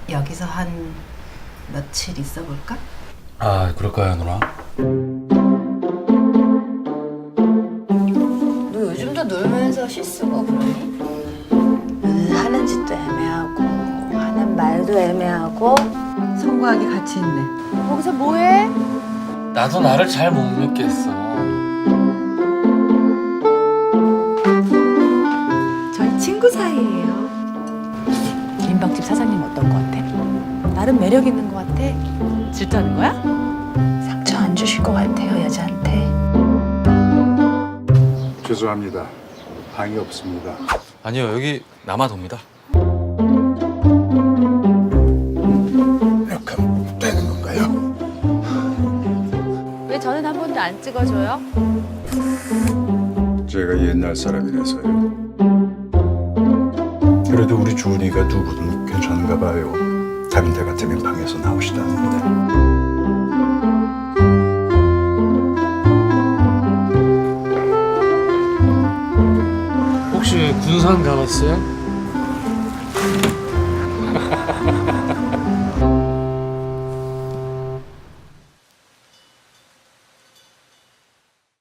여기서 한 며칠 있어 볼까? 아, 그럴까요, 누나? 너 요즘도 놀면서 실수고 그러니? 하는 짓도 애매하고 하는 말도 애매하고 성과하기 같이 있네. 거기서 뭐해? 나도 나를 잘 못 믿겠어. 저희 친구 사이예요. 민박집 사장님 어떤 거 같아? 나름 매력 있는 거 같아? 질투하는 거야? 상처 안 주실 것 같아요 여자한테. 죄송합니다. 방이 없습니다. 아니요, 여기 남아도입니다. 약간 되는 건가요? 왜 저는 한 번도 안 찍어줘요? 제가 옛날 사람이라서요. 그래도 우리 주은이가 두 분은 괜찮은가 봐요. 다른 데 같으면 방에서 나오시다는데. 혹시 군산 가봤어요?